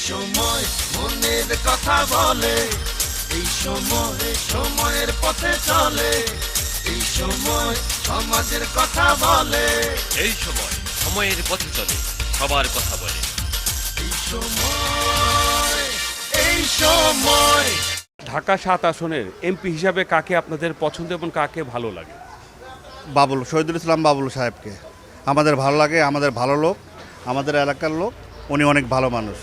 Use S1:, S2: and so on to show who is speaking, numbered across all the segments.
S1: সময় মনের কথা বলে, এই সময় সময়ের পথে চলে, এই সময় সমাজের কথা বলে,
S2: এই সময় সময়ের পথে চলে, সবার কথা বলে।
S1: এই সময়, এই সময়।
S3: ঢাকা ৭ আসনের এমপি হিসাবে কাকে আপনাদের পছন্দ এবং কাকে ভালো লাগে?
S4: শহীদুল ইসলাম বাবুল সাহেবকে আমাদের ভালো লাগে। আমাদের ভালো লোক, আমাদের এলাকার লোক, উনি অনেক ভালো মানুষ,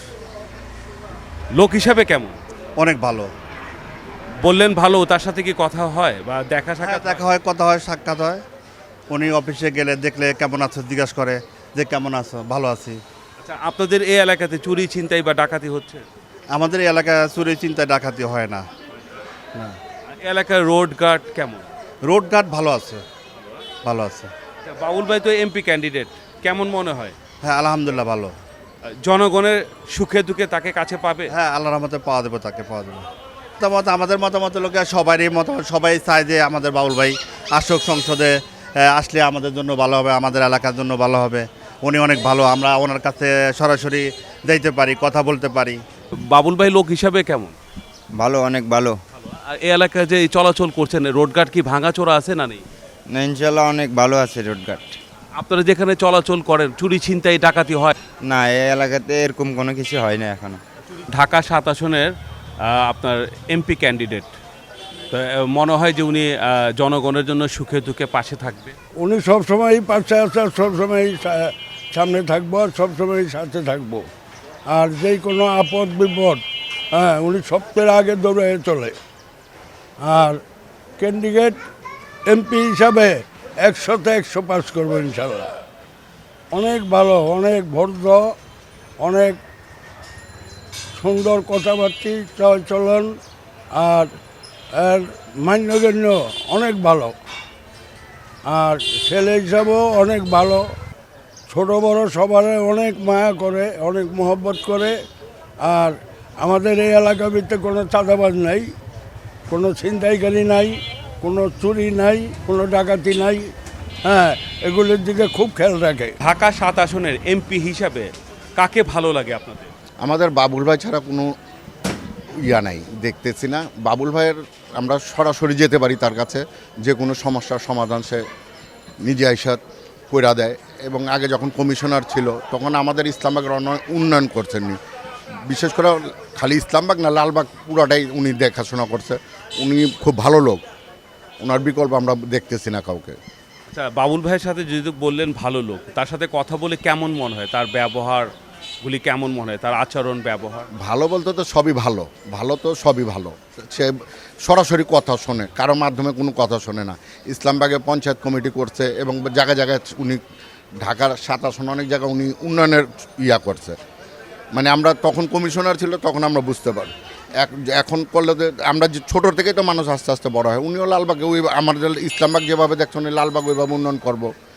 S3: লোক হিসাবে কেমন?
S4: অনেক ভালো।
S3: বললেন ভালো, তার সাথে কি কথা হয় বা দেখা সাক্ষাৎ?
S4: দেখা হয়, কথা হয়, সাক্ষাৎ হয়। উনি অফিসে গেলে দেখলে কেমন আছো জিজ্ঞাসা করে যে কেমন আছো, ভালো আছি।
S3: আচ্ছা, আপনাদের এই এলাকাতে চুরি ছিনতাই বা ডাকাতি হচ্ছে?
S4: আমাদের এই এলাকায় চুরি চিন্তা ডাকাতি হয় না।
S3: এলাকার রোড গার্ড কেমন?
S4: রোডঘাট ভালো আছে, ভালো আছে।
S3: আচ্ছা, বাবুল ভাই তো এমপি ক্যান্ডিডেট, কেমন মনে হয়?
S4: হ্যাঁ, আলহামদুলিল্লাহ ভালো।
S3: জনগণের সুখে দুঃখে তাকে কাছে পাবে?
S4: হ্যাঁ, আল্লাহর রহমতে পাওয়া দেবো, তাকে পাওয়া দেবো। মতামত, আমাদের মতামত লোকে সবারই মতামত, সবাই চায় যে আমাদের বাবুল ভাই আসুক সংসদে, আসলে আমাদের জন্য ভালো হবে, আমাদের এলাকার জন্য ভালো হবে। উনি অনেক ভালো, আমরা ওনার কাছে সরাসরি যাইতে পারি, কথা বলতে পারি।
S3: বাবুল ভাই লোক হিসাবে কেমন?
S5: ভালো, অনেক ভালো।
S3: আর এই এলাকায় যে এই চলাচল করছেন, রোড গার্ড কি ভাঙাচোরা আছে না নেই?
S5: না, ইনশাল্লাহ অনেক ভালো আছে রোডঘাট।
S3: আপনারা যেখানে চলাচল করেন চুরি ছিনতাই ডাকাতি হয়?
S5: না, এই এলাকাতে এরকম কোনো কিছু হয় না এখনো।
S3: ঢাকা ৭ আসনের আপনার এমপি ক্যান্ডিডেট, তো মনে হয় যে উনি জনগণের জন্য সুখে দুঃখে পাশে থাকবে।
S6: উনি সবসময়ই পাশে আছে, সবসময়ই সামনে থাকবো, সবসময়ই সাথে থাকবো। আর যেই কোনো আপদ বিপদ, হ্যাঁ, উনি সবচেয়ে আগে দৌড়ে চলে। আর ক্যান্ডিডেট এমপি হিসাবে 100তে 100 পাস করবো ইনশাল্লাহ। অনেক ভালো, অনেক ভদ্র, অনেক সুন্দর কথাবার্তা চলন, আর এর মান্যগণ্য অনেক ভালো। আর ছেলে হিসাবেও অনেক ভালো, ছোট বড় সবার অনেক মায়া করে, অনেক মহব্বত করে। আর আমাদের এই এলাকার ভিতরে কোনো চাঁদাবাজ নাই, কোনো ছিনতাইকারী নাই, কোনো চুরি নাই, কোনো ডাকাতি নাই। হ্যাঁ, এগুলোর দিকে খুব খেয়াল রাখে।
S3: ঢাকা ৭ আসনের এমপি হিসাবে কাকে ভালো লাগে আপনাদের?
S7: আমাদের বাবুল ভাই ছাড়া কোনো ইয়া নাই, দেখতেছি না। বাবুল ভাইয়ের আমরা সরাসরি যেতে পারি তার কাছে, যে কোনো সমস্যার সমাধান সে নিজে আইসা কইরা দেয়। এবং আগে যখন কমিশনার ছিল তখন আমাদের ইসলামবাগের উন্নয়ন করছেননি, বিশেষ করে খালি ইসলামবাগ না, লালবাগ পুরাটাই উনি দেখাশোনা করছে। উনি খুব ভালো লোক, ওনার বিকল্প আমরা দেখতেছি না কাউকে।
S3: আচ্ছা, বাবুল ভাইয়ের সাথে যদি বললেন ভালো লোক, তার সাথে কথা বলে কেমন মনে হয়? তার ব্যবহারগুলি কেমন মনে হয়? তার আচরণ ব্যবহার?
S7: ভালো বলতে তো সবই ভালো, ভালো তো সবই ভালো। সে সরাসরি কথা শোনে, কারো মাধ্যমে কোনো কথা শোনে না। ইসলামবাগে পঞ্চায়েত কমিটি করছে এবং জায়গায় জায়গায় উনি ঢাকার ৭ আসনে অনেক জায়গায় উনি উন্নয়নের ইয়া করছে। মানে আমরা তখন কমিশনার ছিল তখন আমরা বুঝতে পারি, এখন করলে তো আমরা যে ছোটোর থেকেই তো মানুষ আস্তে আস্তে বড় হয়। উনিও লালবাগে ওই আমাদের ইসলামবাগ যেভাবে দেখছেন লালবাগ ওইভাবে উন্নয়ন করবো।